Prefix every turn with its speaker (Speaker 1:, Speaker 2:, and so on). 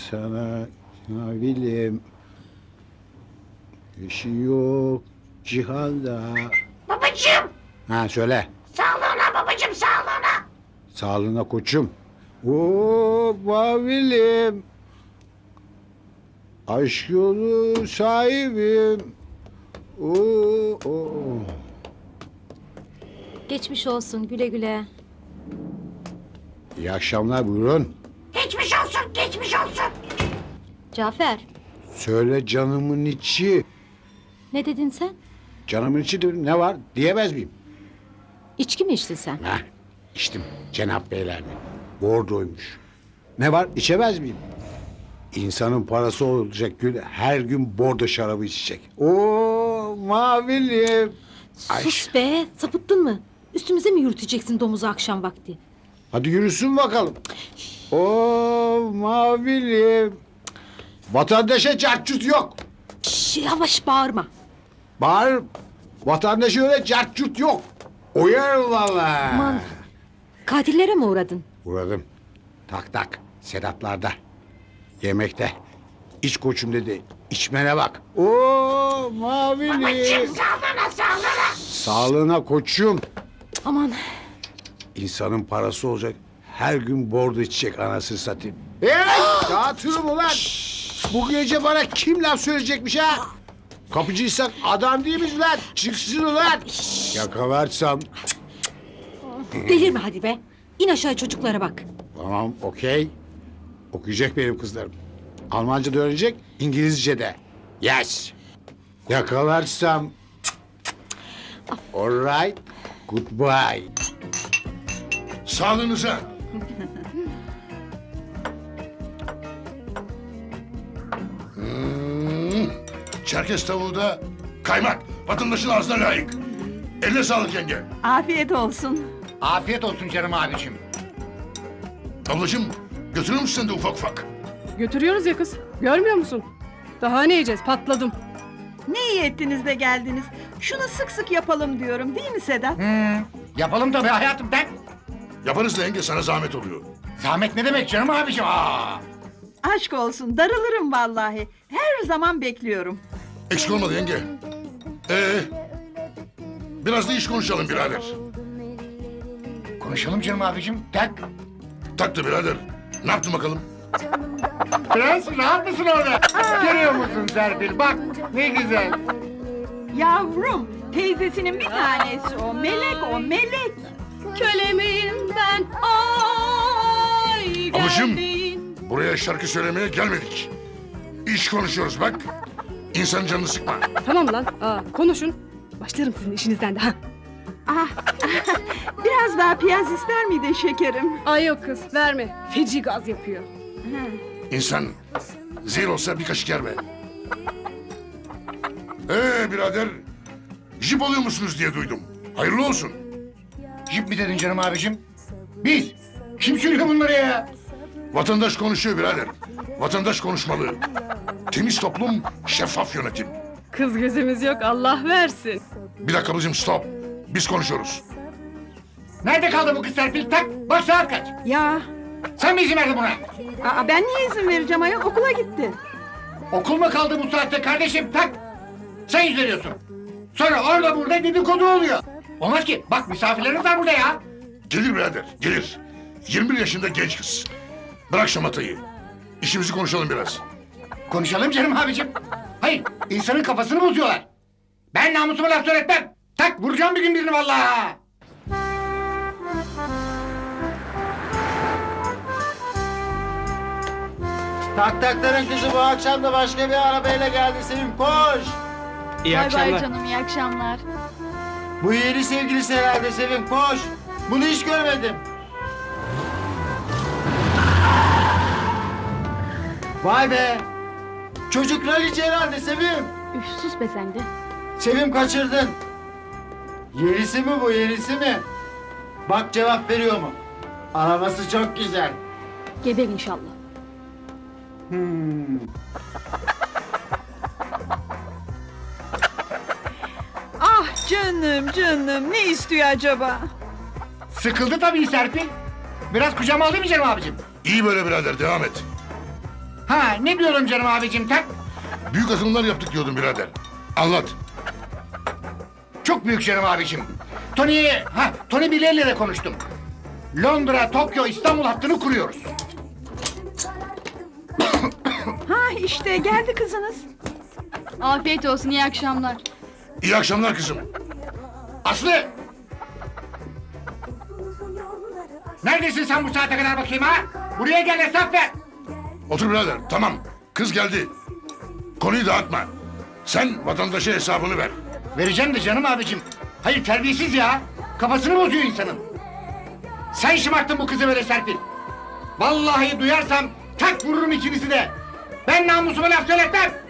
Speaker 1: sana mavilim. Eşi yok cihanda.
Speaker 2: Babacığım!
Speaker 1: Ha söyle.
Speaker 2: Sağlığına babacığım, sağlığına!
Speaker 1: Sağlığına koçum. Oo mavilim. Aşk yolu sahibim. Oo.
Speaker 3: Geçmiş olsun, güle güle.
Speaker 1: İyi akşamlar, buyurun.
Speaker 2: Geçmiş olsun, geçmiş olsun!
Speaker 3: Cafer,
Speaker 1: Söyle canımın içi.
Speaker 3: ne dedin sen?
Speaker 1: Canımın içi de ne var diyemez miyim?
Speaker 3: İçki mi içtin sen?
Speaker 1: Heh, içtim Cenap Beyler'de. Bordoymuş. Ne var içemez miyim? İnsanın parası olacak Gül, her gün bordo şarabı içecek. Oo mavilim. Ay.
Speaker 3: Sus be, sapıttın mı? Üstümüze mi yürüteceksin domuzu akşam vakti?
Speaker 1: Hadi yürüsün bakalım. Oo mavilim. Vatandaşa cartçut yok.
Speaker 3: Şş, yavaş bağırma.
Speaker 1: Bağır. Vatandaşa öyle cartçut yok. Uyar valla.
Speaker 3: Aman, katillere mi uğradın?
Speaker 1: Uğradım. Tak tak. Sedatlarda. Yemekte. İç koçum dedi. İçmene bak. Oo mavilim.
Speaker 2: Babacığım, sağlığına, sağlığına!
Speaker 1: Sağlığına koçum.
Speaker 3: Aman,
Speaker 1: İnsanın parası olacak. Her gün bordo içecek anasını satayım. Hey! Dağıtırım ulan. Bu gece bana kim laf söyleyecekmiş ha? Kapıcıysak adam değil miyiz lan? Çıksın ulan. Yakalarsam.
Speaker 3: delirme hadi be. İn aşağı çocuklara bak.
Speaker 1: Tamam okey. Okuyacak benim kızlarım. Almanca da öğrenecek, İngilizce de. Yes. Yakalarsam. All right. Goodbye.
Speaker 4: Sağlığınıza. Çerkez tavuğu da kaymak. Vatandaşın ağzına layık. Eline sağlık yenge.
Speaker 5: Afiyet olsun.
Speaker 6: Afiyet olsun canım abicim.
Speaker 4: Ablacığım götürür müsün sen de ufak ufak?
Speaker 7: Götürüyoruz ya kız. Görmüyor musun? Daha ne yiyeceğiz? Patladım.
Speaker 5: Ne iyi ettiniz de geldiniz. Şunu sık sık yapalım diyorum, değil mi Sedat?
Speaker 6: Yapalım tabii hayatım ben.
Speaker 4: Yaparız da yenge, sana zahmet oluyor.
Speaker 6: Zahmet ne demek canım abicim? Aa!
Speaker 5: Aşk olsun, darılırım vallahi. Her zaman bekliyorum.
Speaker 4: Eksik olmadı yenge. Biraz da iş konuşalım birader.
Speaker 6: Konuşalım canım abicim. Tak.
Speaker 4: Taktı birader. Ne yaptın bakalım?
Speaker 6: Prens rahat mısın orada? Görüyor musun Serpil? Bak ne güzel.
Speaker 5: Yavrum, teyzesinin bir tanesi o. Melek o, melek.
Speaker 7: Kölemeyim ben. Ay
Speaker 4: Ablacığım,
Speaker 7: geldin.
Speaker 4: buraya şarkı söylemeye gelmedik. İş konuşuyoruz bak. İnsanın canını sıkma.
Speaker 7: Tamam lan. Konuşun. Başlarım sizin işinizden de. Ha.
Speaker 5: Ah, biraz daha piyaz ister miydin şekerim?
Speaker 7: Ay yok kız verme. Feci gaz yapıyor.
Speaker 4: İnsan zehir olsa bir kaşık yer be. Birader, jip oluyor musunuz diye duydum. Hayırlı olsun.
Speaker 6: Jip mi dedin canım abicim? Biz. Kim söylüyor bunları ya?
Speaker 4: Vatandaş konuşuyor birader. Vatandaş konuşmalı. Temiz toplum, şeffaf yönetim.
Speaker 7: Kız gözümüz yok Allah versin.
Speaker 4: Bir dakika ablacığım, stop. Biz konuşuyoruz.
Speaker 6: Nerede kaldı bu kız Serpil? Tak. Bak saat kaç?
Speaker 5: Ya,
Speaker 6: Sen mi izin verdin buna?
Speaker 5: ben niye izin vereceğim ayol? Okula gitti.
Speaker 6: Okul mu kaldı bu saatte kardeşim? Tak. Sen yüz veriyorsun. Sonra orada burada dedikodu oluyor. Olmaz ki. Bak misafirlerimiz var burada ya.
Speaker 4: Gelir birader, gelir. 21 yaşında genç kız. Bırak şamatayı. İşimizi konuşalım biraz.
Speaker 6: Konuşalım canım abicim. Hayır, insanın kafasını bozuyorlar. Ben namusuma laf söyletmem. Tak, vuracağım bir gün birini vallahi.
Speaker 8: Tak takların kızı bu akşam da başka bir arabayla geldi Sevim, koş.
Speaker 9: İyi akşamlar.
Speaker 10: Bay canım, iyi akşamlar.
Speaker 8: Bu yeni sevgilisi herhalde Sevim, koş. Bunu hiç görmedim. Vay be. Çocuk kraliçe herhalde Sevim.
Speaker 10: Üf, sus be sen de.
Speaker 8: Sevim kaçırdın. Yerisi mi bu, yerisi mi? Bak cevap veriyor mu? Arabası çok güzel.
Speaker 10: Geber inşallah.
Speaker 5: Ah canım, canım. Ne istiyor acaba?
Speaker 6: Sıkıldı tabii Serpil. Biraz kucağıma alayım mı canım abicim?
Speaker 4: İyi böyle birader, devam et.
Speaker 6: Ha ne diyorum canım abicim tak?
Speaker 4: Büyük atılımlar yaptık diyordun birader. Anlat.
Speaker 6: Çok büyük canım abicim. Tony Blair'le de konuştum. Londra, Tokyo, İstanbul hattını kuruyoruz.
Speaker 5: Ha işte geldi kızınız.
Speaker 10: Afiyet olsun, iyi akşamlar.
Speaker 4: İyi akşamlar kızım.
Speaker 6: Aslı! Neredesin sen bu saate kadar bakayım ha? Buraya gel hesap ver.
Speaker 4: Otur birader. Tamam. Kız geldi. Konuyu dağıtma. Sen vatandaşa hesabını ver.
Speaker 6: Vereceğim de canım abicim. Hayır terbiyesiz ya. Kafasını bozuyor insanın. Sen şımarttın bu kızı böyle Serpil. Vallahi duyarsam tak vururum ikinizi de. Ben namusuma laf söyletmem.